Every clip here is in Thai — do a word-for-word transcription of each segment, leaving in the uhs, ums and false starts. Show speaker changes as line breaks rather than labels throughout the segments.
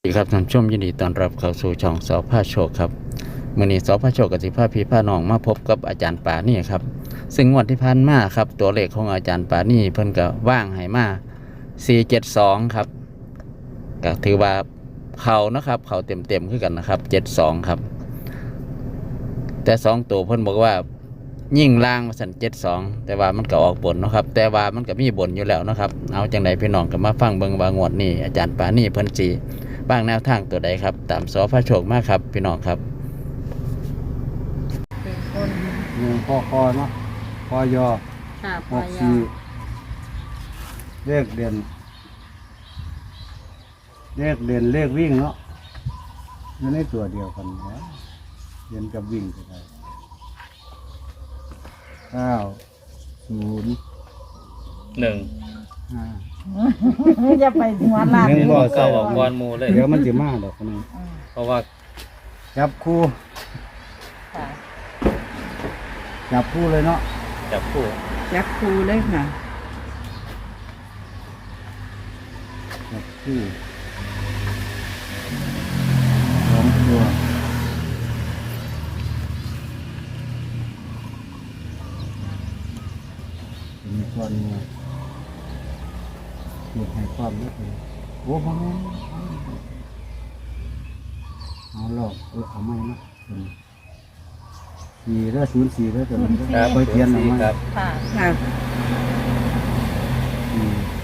สวัสดีครับท่านผู้ชมยินดีต้อนรับเข้าสู่ช่องสอพาโชคครับมื้อนี้สอพาโชคกับสิพาพี่พาน้องมาพบกับอาจารย์ปานี่ครับซึ่งงวดที่ผ่านมาครับตัวเลขของอาจารย์ปานี่เพิ่นก็ว่างให้มาสี่เจ็ดสองครับก็ถือว่าเขานะครับเขาเต็มๆคือกันนะครับเจ็ดสองครับแต่สองตัวเพิ่นบอกว่ายิ่งล่างมาสั่นเจ็ดสองแต่ว่ามันก็ออกบนนะครับแต่ว่ามันก็มีบนอยู่แล้วนะครับเอาจังไดพี่น้องก็มาฟังเบิ่งว่างวดนี้อาจารย์ปานี่เพิ่นสิบ้างแนวทางตัวใดครับตามสอพระโชคมากครับพี่น้องครับ
เป็นคน
หนึ่งพอคอเนาะพอยอ
ค่ะพ
ห
อก ยอ
สี่เลขเด่นเลขเด่นเลขวิ่งเนาะอยู่ในตัวเดียวกันนะเด่นกับวิ่งก็ได้เก้าศูนย์
หนึ่ง
ห้า
อย่าไปหัวลาด
หนึ่งบ่
เก้าออกก้อนหมูเลย
เดี๋ยวมันจะมาดอกคนนี้
เพราะว่า
จับคู่
ค่ะ
จับคู่เลยเนาะ
จับคู่
จับครูเลยค่ะ
จับคู่สองตัวมีก้อนเนี่ยเกี่ยวให้ความรู้สึกโอ้พ่อแม่เอาหลอกเออเอาไม่นะสี่แล้วศูนย์สี่แล้วแต่มัน
ครับ
ไปเทียนเอาไม่
ครับ
ค่ะค่ะ
สี่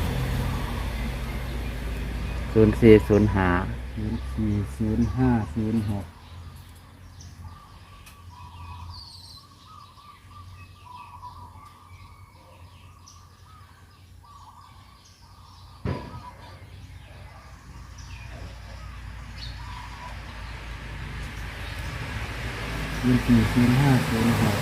ศูนย์สี่ศูนย์ห้า
ศูนย์สี่ศูนย์ห้าศูนย์หกศูนย์สี่ศูนย์ห้าศูนย์หก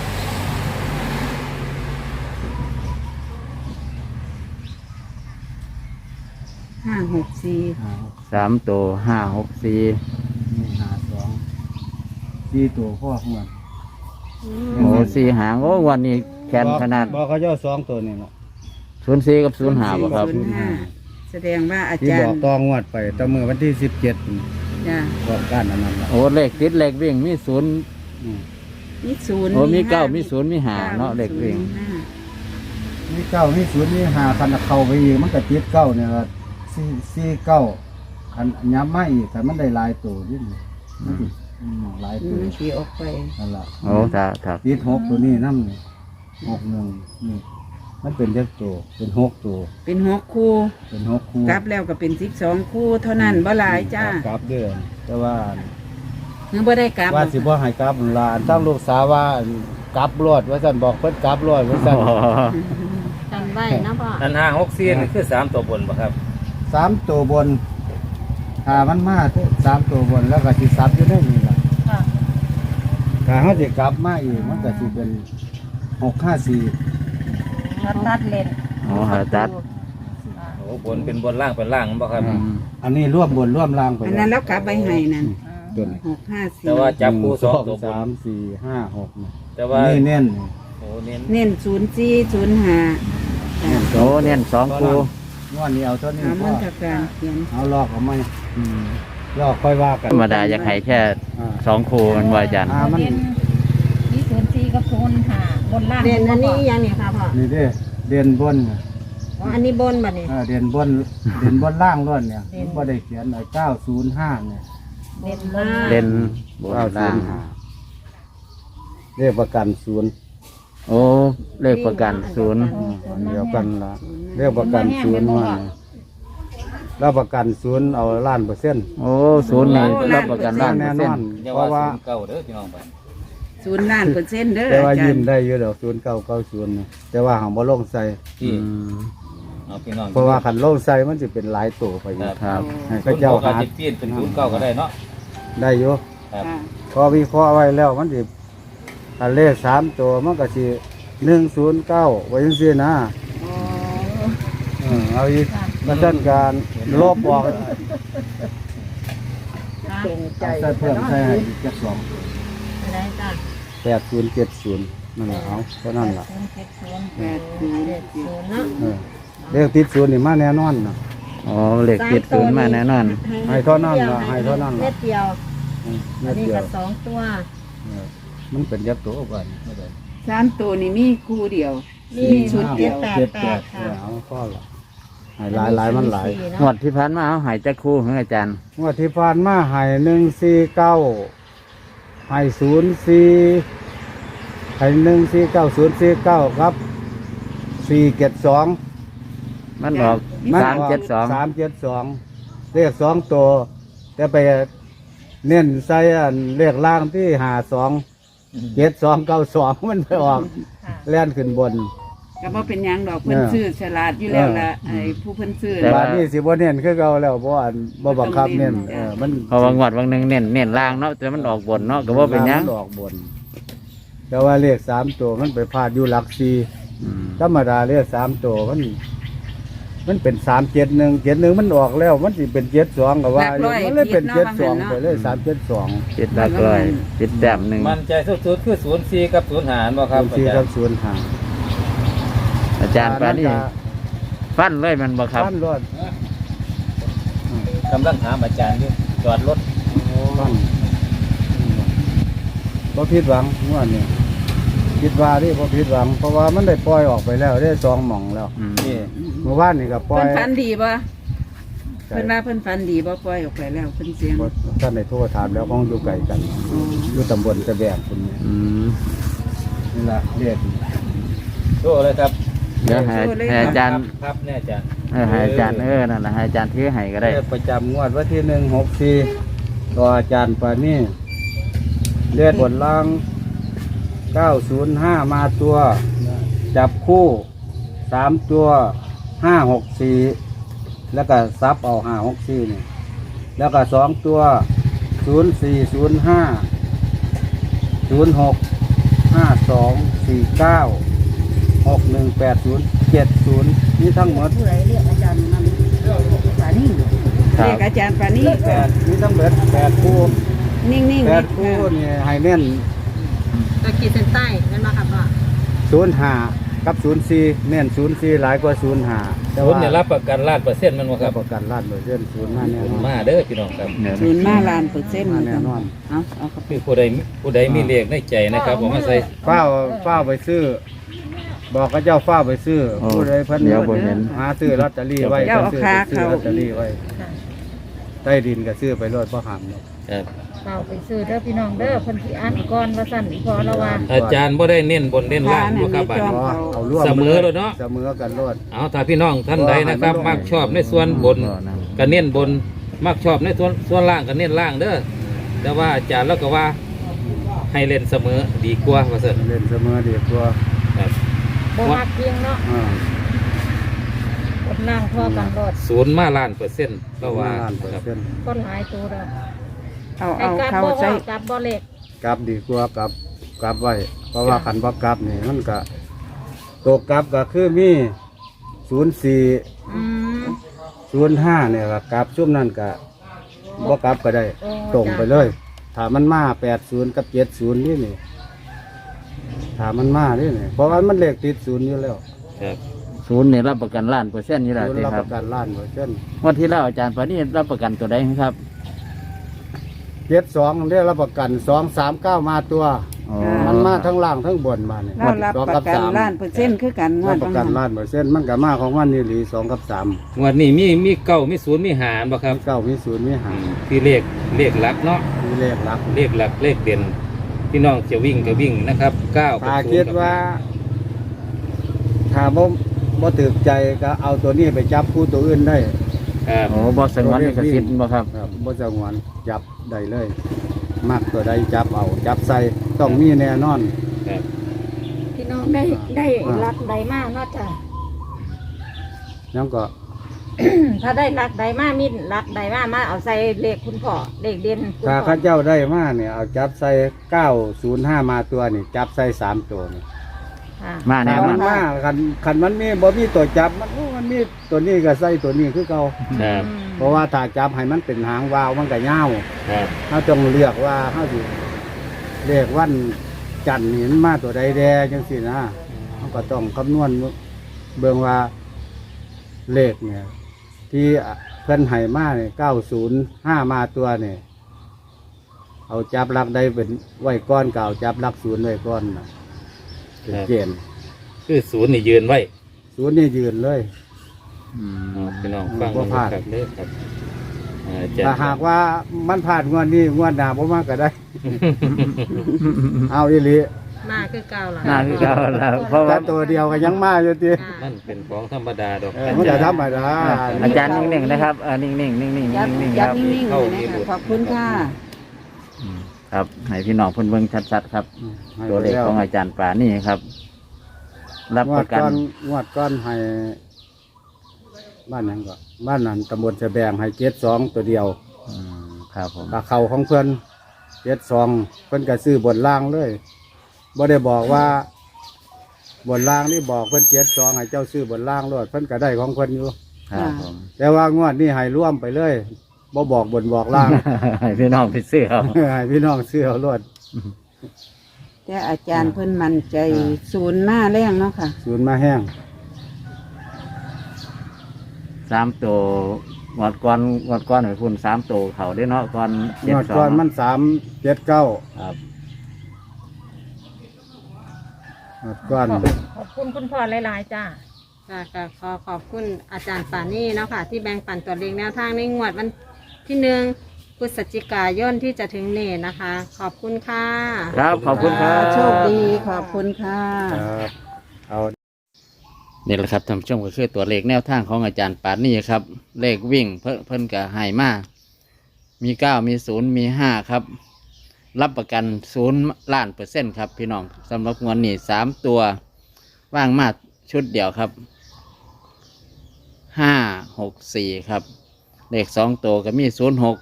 ห้าหกสี่
ห้า
สามตัวห้าหกสี่
นี่ห้าสองสี่ตัวพ่อหัว
โอ้สี่หางโอ้วันนี้แขนขนาด
บอกเขาเจ้าสองตัวนี่แหละ
ศูนย์สี่กับศูนย์ห้าบ่ครับ
ศูนย์ห้าแสดงว่าอา
ที่
จาร
บอก
ย์
ตองวดไปตั้งมือวันที่สิบเจ็ด
จ้ะ
บอกการอันนั้นละ
โอ้เลขติดเลขวิ่งมีศูนย์
อืม
มีศูนย์
โอ้มี
ห้
เก้ามีศูนย์มีห้าเนาะเลขวิ่ง
ศูนย์ห้า
มีเก้ามีศูนย์มีห้าคันเข้าไปอีกมันก็ติดเก้าเนี่ยละสี่สี่เก้าคันย้ำมาอีกแต่มันได้หลายตัวนี่มันสิอืมหลาย
อื
ตัว
มสีออกไป
นั่นละ
โอ้ถ้าถ้า
ติดหกตัวนี้น้ำนี่หกหนึ่งนี่มันเป็นเล็กตัวเป็นหกตัว
เป็นหกคู่
เป็นหกคู่
กลับแล้วก็เป็นสิบสองคู่เท่านั้นบ่หลายจ้า
กลับเดือนแต่ว่า
เมื่อบ่ได้กลับ
ว่าสิบ่ให้กลับหลานตั้งลูกสาวว่ากลับรอดว่าซั่นบอกเพิ่นกลับรอดว่าซั่น
จำไว้นะพ่อ
อันห้าหกสี่นี่คือสามตัวบนป่ะครับ
สามตัวบนถ้ามันมาสามตัวบนแล้วก็สิซับอยู่ได้นี่ล่ะ
ค่ะ
ถ้าเฮาสิกลับมาอีกมันก็สิเป็นหกห้าสี่
ตัดเลน
โอ้หาตัด
โอ้บนเป็นบนล่างเป็นล่างป่ะครับ
อืม
อันนี้ร่วมบนร่วมล่างไป
อันนั้นแล้วกลับไปให้นั่น
ตัวนี้
หกห้าสี่
แต่ว่าจับคู่สองตัวบ
สาม
น
สี่ห้าหกนี่
แต่ว่า
นี่เน้น
โอ้เน้น
เน้นศูนย์สี่ศูนย์ห้า
นี่
โอ้เน้นสองคู่
งวดนี้เอาเท่านี้
เอา
พ
มั
อน
กับการเขียน
เอาลอกเอาไหมอืมลอกค่อยว่ากัน
ธรรมดาอยากให้แค่
อ่า
สองคู่มันว่าอาจารย์
อ่ามัน
มีศูนย์สี่กับศูนย์ห้าบนล่าง
เด่นอันนี้ยังเนี่ยค่ะพ่อ
นี่เด้เด่นบน
อ๋ออันนี้บนบัดนี้
อ่าเด่นบนเด่นบนล่างล้วนเนี่ยมันบ่ได้เขียนไอ้เก้าศูนย์ห้าเนี่ย
เด่นล่าง
เล่นบน
เก้าศู
ล่าง
นย์ห้าเรียกประกันศูนย์
โอ้เลขประกันศูนย์
อันเดียวกันละเรียกประกันศูนย์ว่าแล้วประกันศูนย์เอาล้านเปอร์เซ็นต์
โอ้ศูนย์นี่รับประกันล้านเปอ
แน่
ร์
น
เซ็น
อน
ต์
อย่า
เพ
ว่า
ราะว่า
ศูนย์เก้าเด้อพี่น้องไป
ศูนย์ล้านเปอร์เซ็นต์เด้อ
แต่ว่า
อาจาร
ยิ้ม
ย์
ได้อยู่ดอกศูนย์เก้าเก้าศูนย์แต่ว่าหางบ่ลงใส่
อื
ที่
ม
เอาพี่น้อง
เพราะว่าขันลงใส่มันจะเป็นหลายตัวไปอยู่
ครับ
ให้
ศู
เขา
นย์
เจ้า
เก้า
หา
สิบปีนเป็นศูนย์เก้าก็ได้เนาะ
ได้อยู่
ครับ
ค่ะ
พอวิเคราะห์ไว้แล้วมันจะอันเลขสามตัวมันก็สิหนึ่งศูนย์เก้าไว้ยังซี่นะ
อ๋อ
เออเอาอีกมาสั้นการลบออก
เก่งใจ
เอาใส่เพิ่มใส่ให้อีกจักสอง
อะไรจ้ะ
แปดศูนย์เจ็ดศูนย์นั่นแหละเอาเท่านั้นล่ะ
ศูนย์เจ็ดศูนย์
แปดศูนย์
เจ็ดศูนย์เนาะ
เออเลขติดศูนย์นี่มาแน่นอนนะ
อ๋อเลขติดศูนย์มาแน่นอน
ให้เท่านั้นล่ะให้เท่านั้น
เม็
ล่ะ
ดเดียว
อืม
อั
เม็
น
ด
นี้
เดีย
ก็
ว
สองตัว
เออมันเป็นยักษ์ตัวกันไม่ได้
สามตัวนี่มีคู่เดียว
นี่
ชุดเดียว
แปด
เจ็ด
แป
แป
ด
ด
ค่ะ
เอาข้อละให้หลายหลายมันหลาย
สี่
ง
เนาะ
วดที่ผ่านมาเอาใหายจักคู่ของอาจารย์
งวดที่ผ่านมาให้หนึ่งสี่เก้าให้ศูนย์สี่ให้หนึ่งสี่เก้าศูนย์สี่เก้าครับสี่เจ็ดสอง
มันออกสามเจ็ดสอง
สามเจ็ดสองเลขสองตัวแต่ไปเน้นใส่อันเลขล่างที่หาสองเจ็ดสองเก้าสองมันไปออกแล่นขึ้นบน
ก็บ่เป็นหยังดอกเพิ่น
เออ
ซื้อฉลาดอยู่แล้วล่ะ
เออ
ไอ้ผู้เพิ่นซื้อ
แต่ว่านี่สิบ่เน้นคือเก่าแล้วบ่อันบ่บังคับเน้นเออมัน
เพราะว่างวดวันหนึ่งเน้นเน้นล่างเนาะแต่มันออกบนเนาะก็บ่เป็นหยัง
มัออกบน แต่ว่าเลขสามตัวมันไปพลาดอยู่หลักสี่
อืม
ธรรมดาเลขสามตัวมัน มันเป็นสามเจ็ดหนึ่งเจ็ดหนึ่งมันออกแล้ว มันสิเป็นเจ็ดสองก็ว่าอยู่มันเลยเป็นเจ็ดสองไปเลยสามเจ็ดสอง
ติดหลักร้อยติดแต้มหนึ่ง
มันใจสุดๆคือศูนย์สี่กับศูนย์หารบ่ครับ
ศูนย์
อา
สี่
จาร
กับ
ย์
ศูนย์ห้า
อาจารย์ปานี่ฟันเลยมันบ่ครับ
ปั้นรถ
กำลังถามอาจารย์อยู่จอดรถ
ปั้นบ่ผิดหวังงวดนี้คิดว่าที่บ่ผิดหวัง เพราะว่ามันได้ปล่อยออกไปแล้วได้สองหม่องแล้ว
อืม
นี่
เมื่อวานนี่ก็ปล่อ
เพิ่
ย
นฝันดีบ่เพิ่นว่าเพิ่นฝันดีบ่ปล่อยออกไปแล้วเพิ่นเสียง
บ่ท่านได้โทรถามแล้วของอยู่ไกลกัน
อ๋อ
อยู่ตำบลตะแบกคนนี้
อืม
นี่ล่ะเรียก
โตเลยครับ
เดี๋ยวให้ให้อาจารย์
ครับเนี่ยอาจารย์
เออให้อาจารย์เออนั่นแหละให้อาจารย์ถือให้ก็ได้
เลขประจำงวดวันที่หนึ่งหกสี่ต่ออาจารย์ปานี่เลียดบนล่างเก้าศูนย์ห้ามาตัว จับคู่สามตัวห้าหกสี่แล้วก็ซับเอาห้าหกสี่นี่แล้วก็สองตัวศูนย์สี่ศูนย์ห้าศูนย์หกห้าสองสี่เก้าหกหนึ่งแปดศูนย์เจ็ดศูนย์นี่ทั้งหมด
ผู้ใดเรียกอาจารย์มันฝานี่
ครั
เรีย
บ
กอาจารย์ปานี่
แปดนี่ทั้งหมดแปดคู่
นิ่งๆ
แป
นิ
ด
ด
คู่นี่ให้เน้น
ตะกี้เส้นใต้นั่นมาครับว่า
ศูนย์ห้ากับศูนย์สี่เน้นศูนย์สี่หลายกว่าศูนย์ห้าแต่
ศูน
ว่า
ย์เนี่ยรับประกันล้านเปอร์เซ็นต์มันบ่ค
รั
รั
บบ ประกันล้านเปอร์เซ็นต์ศูนย์ห้าแน่
ศูน
นอ
ย์
น
มาเด้อพี่น้องครับ
เดี๋ยว
ศูนย์มาล้านเปอร์เซ็นต์
มาแน่นอน
เอาเอาครับ
คือผู้ใดผู้ใดมีเลขในใจนะครับผมมาใส่
เฝ้าเฝ้าไปซื้อ บอกกับเจ้าเฝ้าไปซื้อ
โอ้
ผู้ใดเพิ่น
เดี๋ยวบ่เห็น
หาซื้อลอตเตอรี่ไว้
เจ้าเอา
ซื้อ
ขา
ซื้อ
เข้า
ลอตเตอรี่ไว้ใต้ดินก็ซื้อไปรถบ่หันเนาะ
ครับ
เอาไปซื้อเด้อพี่น้องเด้อเพิ่นสิอ่านก่อนว่าสั่นพอละว่า
อาจารย์บ่ได้เน้นบนเน้นล่างบ่ครับบัด
จอ
นี้
ม
อ๋อเอาร่วม
เสมอเลยเนาะ
เสมอกันรถ
เอาถ้าพี่น้องท่านใดนะครับ มักชอบในส่วนบนก็เน้นบน มักชอบในส่วนส่วนล่างก็เน้นล่างเด้อแต่ว่าอาจารย์แล้วก็ว่าให้เล่นเสมอดีกว่าว่าซั่น
เล่นเสมอดีกว่า
ครับ
บ่มักเพียงเนาะ
อ่าก
ดล่างพอกันรถ
ศูนย์มาล้านเปอร์เซ็นต์ก็ว่า
ล้านเปอ
ครับ
ร์เซ็นต์
ก็หลายตัวแล้ว
เอา
ไอ้
เอา
กลับ
เข้า
บ่
ใส่
ว่ากลับบ่เล็ก
กลับดีกว่ากลับกลับไว้ เพราะว่าคันบ่กลับนี่มันก็ตัวกลับก็คือมีศูนย์สี่
อืม
ศูนย์ห้าเนี่ยก็กลับช่วงนั้นก็บ่กลับก็ได้
โอ้
ตรงไปเลย ถ้ามันมาแปดศูนย์กับเจ็ดศูนย์นี่นี่ถ้ามันมานี่นี่เพราะว่ามันเลขติดศูนย์อยู่แล้ว
ครับ
ศูนย์เนี่ยรับประกันล้านเปอร์เซ็นต์นี่แหละ
ศูน
สิ
ย์รับ
ค
ป
รับ
ระกันล้านเปอร์เซ็นต์
งวันที่แล้วอาจารย์ปานี่รับประกันตัวใดครับ
เจ็ดสองเรียกรับประกันสองสามเก้ามาตัว
อ๋อ
มันมาทั้งล่างทั้งบนมาเนี่ย
เรารับ
สอง
ป
กั
ระ
บ
กัน
สาม
ล้านเปอร์เซ็นต์คือกันงว
รั
ด
บประกันล้านเปอร์เซ็นต์มันก็มาของมันนี่หลีสองกับสาม
งวันนี้มีมีเก้ามีศูนย์มีหารบ่ครับ
เก้ามีศูนย์มี
อื
หาง
มที่เลขเลขหลักเนาะ
มีเลขหลัก
เลขหลักเลขเด่นพี่น้องจะวิ่งก็วิ่งนะครับเก้ากับ
ถ้า
ศูน
คิด
ย์กับ
ว่า ถ้าบ่บ่ถึกใจก็เอาตัวนี้ไปจับคู่ตัวอื่นได้
ครับ
โอ้บอสงวนลิขสิทธิ์บ่ครับ
ครับบ่จะงวนจับได้เลยมักตัวใดจับเอา จับใส่ต้องมีแน่นอน
ครับ
พี่น้องได้ได้รักใดมากเนาะจ้ะ
ยังก็
ถ้าได้รักใดมากมีรักใดมากมาเอาใส่เลขคุณพ่อเลขเด่นคุณ
ถ้า
พ่อ
ข้าเจ้าได้มาเนี่ยเอาจับใส่เก้าศูนย์ห้ามาตัวนี่จับใส่สามตัวนี่
ค่ะ
มาแน่
ถ้าน
อ
มัน นมาคันคันมันมีบ่มีตัวจับมันโอ้มันมีตัวนี้ก็ใส่ตัวนี้คือเก่า
ครับ
เพราะว่าถ้าจับให้มันเป็นหางวาวมันก็ยาว
ครับ
เขาต้องเลือกว่าเขาสิเรียกวันจันทร์นี่มันมาตัวใดแดจังสินะเขาก็ต้องคำนวณเบิ่งว่าเลขเนี่ยที่เพิ่นให้มาเนี่ยเก้าศูนย์ห้ามาตัวเนี่ยเอาจับหลักได้เป็นไว้ก้อนเก่าจับหลักศูนย์ไว้ก้อนนะเป็นเกณฑ์
คือศูนย์นี่ยืนไว้
ศูนย์นี่ยืนเลย
อืม
อ๋อพี่น้องฟัง
บ่พลาด
ครับเด้อครับอ่าอาจาร
ถ้า
ย์
หากว่ามันผ่านงวดนี้งวดหน้าบ่มากก็ได้ เอาอีหลี
มาคือเก่าล่ะ
น่าคือเก่าแล้วเพราะ
แต่
ว่า
ตัวเดียวก็ยังมาอยู่ติ
ค่ะ
มันเป็นของธรรมดาดอก
เออมันจะธรรมดา
อาจารย์นิ่งๆนะครับเออนิ่งๆนิ่งๆนิ่งๆ
ยับ
นิ่งๆค
ยับ
รับ
นิ่งๆเลยนะคะขอบคุณค่ะ
อืมครับให้พี่น้องเพิ่นเบิ่งชัดๆครับ ตัวเลขของอาจารย์ป่านี่ครับ รับ
ง
ป
ว
ระ
ด
กัน
ก้อนงวดก้อนให้บ้านนั้นก็บ้านนั้นตำบลจะแบงให้เจ็ดสองตัวเดียว
อืมครับผม
ตาเขาของเพื่อนเจ็ดสองเพื่อนก็ซื้อบนล่างเลยบ่ได้บอกว่าบนล่างนี่บอกเพื่อนเจ็ดสองให้เจ้าซื้อบนล่างรถเพื่อนก็ได้ของเพื่อนอยู่
ครับผม
แต่ว่างวดนี้ให้ร่วมไปเลยบ่บอกบนบอกล่าง
ให้พี่น้องไปซื้อเอา
ให้พี่น้องซื้อเอารถ
แต่อาจารย์เพิ่นมั่นใจศูนย์หน้าแรงเนาะค่ะ
ศูนย์มาแห้ง
สามตัวงวดก้อนงวดก้อนให้คุณสามตัวเขาได้เนาะก้อน
ง
เจ็ด
วด
สอ
ก้อง นมันสามเจ็ดเก้า
ครับ
งวดก้อน
ขอบคุณคุณพ่อหลายๆจ้า
ค่ะก็ขอขอบคุณอาจารย์ป่านี่เนาะค่ะ ที่แบ่งปันตัวเลขแนวทางในงวดวันที่หนึ่งพฤศจิกายนที่จะถึงนี้นะคะ ขอบคุณค่ะ
ครับขอบคุณครับ
โชคดีขอบคุณค่ะ
ครับเอา
นี่แหละครับท่านผู้ชมก็คือตัวเลขแนวทางของอาจารย์ปานนี่ครับ เลขวิ่งเพิ่นเพิ่นก็ให้มามีเก้ามีศูนย์มีห้าครับ รับประกันศูนย์ล้านเปอร์เซ็นต์ครับพี่น้องสำหรับงวดนี้สามตัวว่างมาชุดเดียวครับห้าหกสี่ครับ เลขสองตัวก็มีศูนย์หก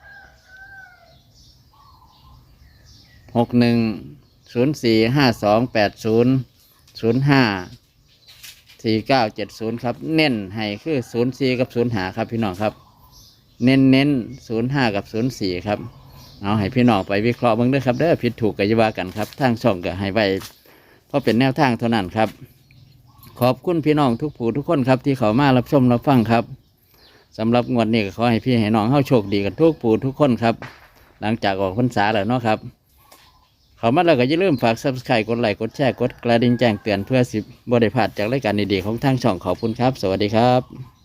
หกหนึ่งศูนย์สี่ห้าสองแปดศูนย์ศูนย์ห้าสี่เก้าเจ็ดศูนย์ครับ เน้นให้คือศูนย์สี่กับศูนย์ห้าครับพี่น้องครับ เน้นเน้นศูนย์ห้ากับศูนย์สี่ครับ เอาให้พี่น้องไปวิเคราะห์เบ้างด้วยครับเด้อผิดถูกกัยาว่ากันครับทางช่องก็ให้ไว้เพราะเป็นแนวทางเท่านั้นครับ ขอบคุณพี่น้องทุกผู้ทุกคนครับที่เขามารับชมรับฟังครับสำหรับงวดนี้ก็ขอให้พี่ให้น้องเข้าโชคดีกันทุกผู้ทุกคนครับ หลังจากออกพรรษาแล้วเนาะครับเขามาแล้วก็อย่าลืมฝาก ซับสไครบ์ กดไลค์กดแชร์กดกระดิ่งแจ้งเตือนเพื่อสิบบ่ได้พลาดจากรายการดีๆของทางช่องขอบคุณครับ สวัสดีครับ